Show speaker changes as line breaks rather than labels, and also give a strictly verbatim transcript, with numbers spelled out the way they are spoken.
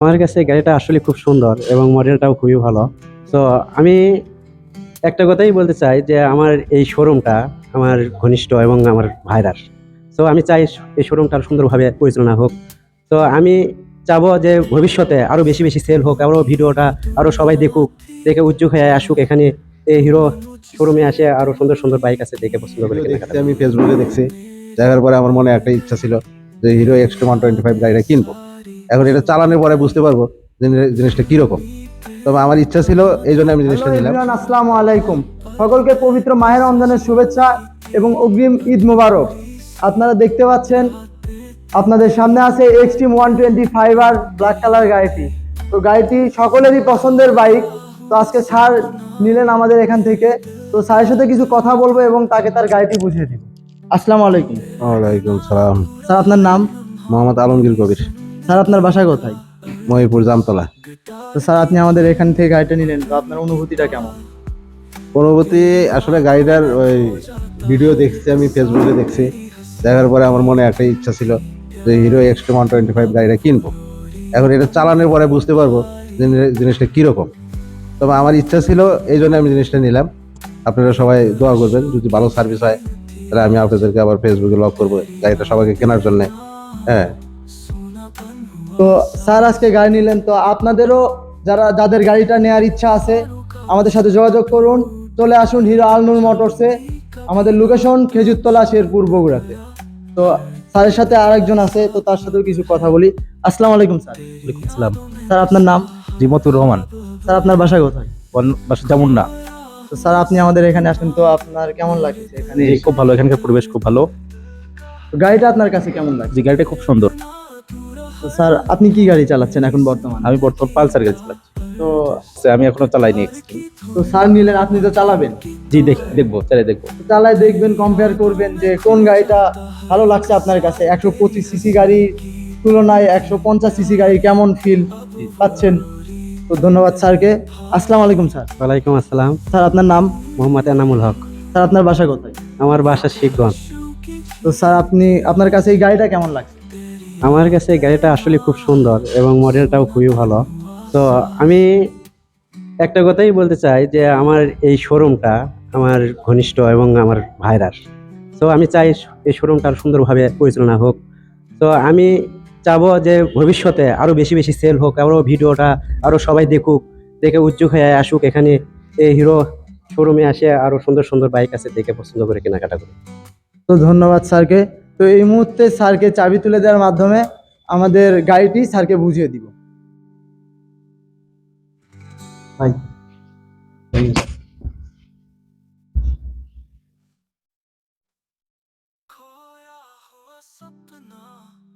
আমার কাছে গাড়িটা আসলে খুব সুন্দর এবং মডেলটাও খুবই ভালো। তো আমি একটা কথাই বলতে চাই যে আমার এই শোরুমটা আমার ঘনিষ্ঠ এবং আমার ভাইরার। তো আমি চাই এই শোরুমটা সুন্দরভাবে পরিচালনা হোক। তো আমি চাবো যে ভবিষ্যতে আরো বেশি বেশি সেল হোক, আরো ভিডিওটা আরো সবাই দেখুক, দেখে উদ্যোগ হয়ে আসুক এখানে এই হিরো শোরুমে আসে, আরো সুন্দর সুন্দর বাইক আছে দেখে পছন্দ করে
ভিডিও
কেনাকাটা
দেখছি,
করুক।
আমি ফেসবুকে দেখছি। দেখার পরে আমার মনে একটা ইচ্ছা ছিল যে Hero extra one twenty five গাড়িটা কিনবো। এখন এটা চালানোর পরে বুঝতে পারবো যে জিনিসটা কিরকম। তবে আমার ইচ্ছা ছিল, এই জন্য আমি জিনিসটা
হ্যালো
নিলাম।
এভরিওয়ান, আসসালামু আলাইকুম। সকলকে পবিত্র মাহের রমজানের শুভেচ্ছা এবং অগ্রিম ঈদ মোবারক। আপনারা দেখতে পাচ্ছেন আপনাদের সামনে আছে এক্সট্রিম ওয়ান টোয়েন্টি ফাইভ আর ব্ল্যাক কালার গাড়িটি। তো গাড়িটি সকলেরই পছন্দের বাইক। তো আজকে স্যার নিলেন আমাদের এখান থেকে। তো স্যারের সাথে কিছু কথা বলবো এবং তাকে তার গাড়িটি বুঝিয়ে দিব। আসসালামু আলাইকুম
ওয়ালাইকুম সালাম।
স্যার, আপনার নাম?
মোহাম্মদ আলমগীর কবির।
স্যার, আপনার বাসা কোথায়?
মহিপুর জামতলা।
তো স্যার, আপনি আমাদের এখান থেকে গাড়িটা নিলেন, তো আপনার অনুভূতিটা কেমন?
পরবর্তী আসলে গাড়িটার ওই ভিডিও দেখছি, আমি ফেসবুকে দেখছি। দেখার পরে আমার মনে একটা ইচ্ছা ছিল যে Hero extra one twenty five গাড়িটা কিনবো। এখন এটা চালানোর পরে বুঝতে পারবো যে জিনিসটা কিরকম। তবে আমার ইচ্ছা ছিল, এই জন্য আমি জিনিসটা নিলাম। আপনারা সবাই দোয়া করবেন, যদি ভালো সার্ভিস হয় তাহলে আমি আপনাদেরকে আবার ফেসবুকে লক করবো গাড়িটা সবাইকে কেনার জন্য। হ্যাঁ।
তো স্যার আজকে গাড়ি নিলেন, তো আপনাদেরও যারা যাদের গাড়িটা নেওয়ার ইচ্ছা আছে আমাদের সাথে যোগাযোগ করুন। চলে আসুন হিরো আলনুর মোটরসে। আমাদের লোকেশন খেজুরতলা, শেরপুর, বগুড়াতে। তো স্যারের সাথে আরেকজন আছে, তো তার সাথেও কিছু কথা বলি। আসসালামু আলাইকুম স্যার।
ওয়ালাইকুম আসসালাম।
স্যার, আপনার নাম?
জিমতুর রহমান।
স্যার, আপনার বাসা কোথায়?
বন- বাসা জামুন্না।
তো স্যার, আপনি আমাদের এখানে আসেন, তো আপনার কেমন লাগছে এখানে
জি,
এসে?
খুব ভালো, এখানকার পরিবেশ খুব ভালো।
তো গাড়িটা আপনার কাছে কেমন লাগছে?
জি, গাড়িটা খুব সুন্দর।
তো স্যার, আপনি কি গাড়ি চালাচ্ছেন এখন বর্তমানে?
আমি বর্তমান পালসার গাড়ি চালাচ্ছি।
তো
সে আমি এখনো চালাইনি এক্সট্রিম।
তো স্যার নিলেন, আপনি তো চালাবেন।
জি, দেখ দেখবো, চালাই দেখবো।
চালায় দেখবেন, কম্পেয়ার করবেন যে কোন গাড়িটা ভালো লাগছে আপনার কাছে। একশো পঁচিশ সিসি গাড়ির তুলনায় একশো পঞ্চাশ সিসি গাড়ি কেমন ফিল পাচ্ছেন। তো ধন্যবাদ স্যারকে। আসসালামু আলাইকুম স্যার।
ওয়ালাইকুম আসসালাম।
স্যার, আপনার নাম?
মোহাম্মদ এনামুল হক।
স্যার, আপনার বাসা কোথায়?
আমার বাসা শিবগঞ্জ।
তো স্যার, আপনি আপনার কাছে এই গাড়িটা কেমন লাগছে?
আমার কাছে এই গাড়িটা আসলে খুব সুন্দর এবং মডেলটাও খুবই ভালো। তো আমি একটা কথাই বলতে চাই যে আমার এই শোরুমটা আমার ঘনিষ্ঠ এবং আমার ভাইরার। তো আমি চাই এই শোরুমটা আরো সুন্দরভাবে পরিচালনা হোক। তো আমি চাবো যে ভবিষ্যতে আরো বেশি বেশি সেল হোক, আরো ভিডিওটা আরো সবাই দেখুক, দেখে উদ্যোগ হয়ে আসুক এখানে এই হিরো শোরুমে আসে, আরো সুন্দর সুন্দর বাইক আছে দেখে পছন্দ করে কেনাকাটা করুক।
তো ধন্যবাদ স্যারকে। তো এই মুহূর্তে স্যারকে চাবি তুলে দেওয়ার মাধ্যমে আমাদের গাড়িটি স্যারকে বুঝিয়ে দিব। ভাই,
खोया हुआ सपना